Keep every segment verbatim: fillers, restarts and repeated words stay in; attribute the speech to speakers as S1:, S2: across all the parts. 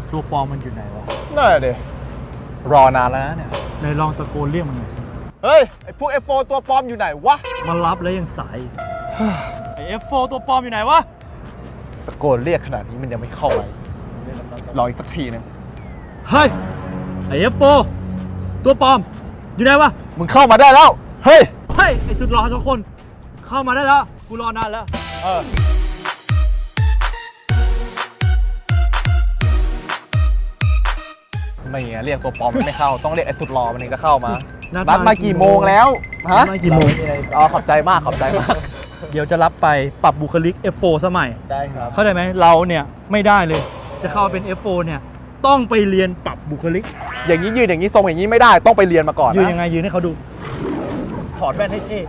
S1: ตัวปลอมมันอยู่ไหนวะ
S2: นั่นแหละดิรอนานแล้วนะเนี่ย
S1: ในลองตะโกนเรียกมันหน่อยสิ
S2: เฮ้ยไอพวก เอฟ โฟร์ ตัวปลอมอยู่ไหนวะ
S1: มารับแล้วยังสายไอ เอฟ โฟร์ ตัวปลอมอยู่ไหนวะ
S2: ตะโกนเรียกขนาดนี้มันยังไม่เข้าไปรออีกสักทีนึง
S1: เฮ้ยไอ เอฟ โฟร์ ตัวปลอมอยู่ไหนวะ
S2: มึงเข้ามาได้แล้วเฮ้ย
S1: เฮ้ยไอสุดหล่อสองคนเข้ามาได้แล้วกูรอนานแล้ว
S2: เออไม่เรียกตัวปลอมไม่เข้าต้องเรียกไอ้สุดหล่อมันถึงจะเข้ามานัดมากี่โมงแล้วฮะ
S1: กี่โมง
S2: อ๋อขอบใจมากขอบใจมาก
S1: เดี๋ยวจะรับไปปรับบุคลิก เอฟ โฟร์ สมัย
S2: ได้ครับ
S1: เข้าใจไหมเราเนี่ยไม่ได้เลยจะเข้าเป็น เอฟ โฟร์ เนี่ยต้องไปเรียนปรับบุคลิก
S2: อย่างนี้ยืนอย่างนี้ทรงอย่างนี้ไม่ได้ต้องไปเรียนมาก่อน
S1: ยืนยังไงยืนให้เขาดูถอดแว่นให้เท่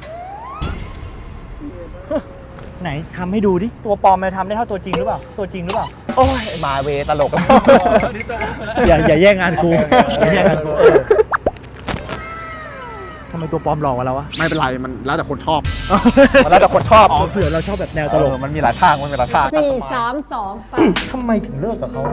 S1: ไหนทำให้ดูดิตัวปลอมมันทำได้เท่าตัวจริงหรือเปล่าตัวจริงหรือเปล่า
S2: โอ้ยมาเวตลกแล้ว
S1: อย่าอย่าแย่งงานกูอย่าแย่งงานกูทำไมตัวปลอมหลอกกว่าเราวะ
S2: ไม่เป็นไรมันแล้วแต่คนชอบมันแล้วแต่คนชอบ
S1: อ๋อเผื่อเราชอบแบบแนวตลก
S2: มันมีหลายทางมันมีหลายทาง
S3: สี่สามสองไป
S1: ทำไมถึงเลิกกับเขา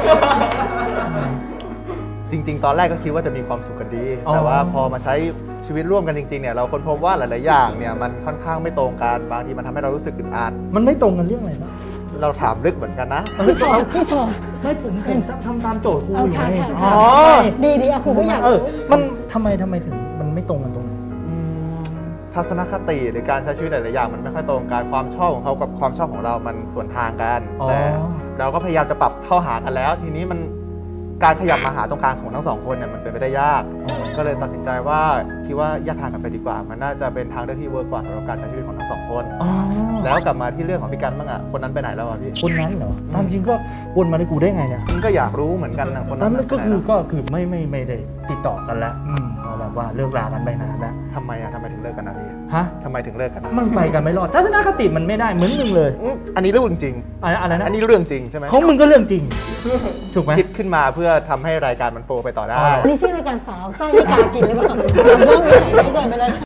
S2: จริงๆตอนแรกก็คิดว่าจะมีความสุขกันดีแต่ว่าพอมาใช้ชีวิตร่วมกันจริงๆเนี่ยเราค้นพบว่าหลายๆอย่างเนี่ยมันค่อนข้างไม่ตรงกันบางทีมันทำให้เรารู้สึกอึดอัด
S1: มันไม่ตรงกันเรื่องอะไรนะ
S2: เราถามลึกเหมือนกันนะ
S3: พี่ชอพี่ชอ
S1: ไม่ผมผมทำตามโจทย์ครูอยู่ไง
S3: อ๋อดีดีอะครูก็อยากรู้
S1: มันทำไมทำไมถึงมันไม่ตรงกันตรงนี้
S2: ทัศนคติหรือการใช้ชีวิตหลายๆอย่างมันไม่ค่อยตรงกันความชอบของเขากับความชอบของเรามันสวนทางกันแต่เราก็พยายามจะปรับเข้าหากันแล้วทีนี้มันการขยับมาหาตรงกลางของทั้งสองคนเนี่ยมันเป็นไปได้ยากก็เลยตัดสินใจว่าคิดว่าแยกทางกันไปดีกว่ามันน่าจะเป็นทางเลือกที่เวิร์กกว่าสำหรับการใช้ชีวิตของทั้งสองคนแล้วกลับมาที่เรื่องของพี่กันบ้างอ่ะคนนั้นไปไหนแล้วอ่ะพี่
S1: คนนั้นเหรอตามจริงก็วนมาได้กูได้ไงเนี่ย
S2: มึงก็อยากรู้เหมือนกันนะคนนั้
S1: นก็คือก็คือไม่ไม่ไม่ได้ติดต่อกันแล้วแบบว่าเลิกลากันไปนานแล้ว
S2: ทำไมอ่ะทำไมถึงเลิกกันนะพี่
S1: ฮะ
S2: ทำไมถึงเลิกกัน
S1: มันไปกันไม่รอดทัศนคติมันไม่ได้เหมือนมึงเลย
S2: อันนี้เรื่องจริง
S1: อะไรนะ
S2: อันนี้เรื่องจริงใช่ไหม
S1: ของมึงก็เรื่องจริงถูกไหม
S2: คิดขึ้นมาเพื่อทำให้รายการมันโฟไปต่อได้
S3: นี่ใช่รายการสาวไส้ให้กากินหรือเปล่าเริ่มเกินไปแล้ว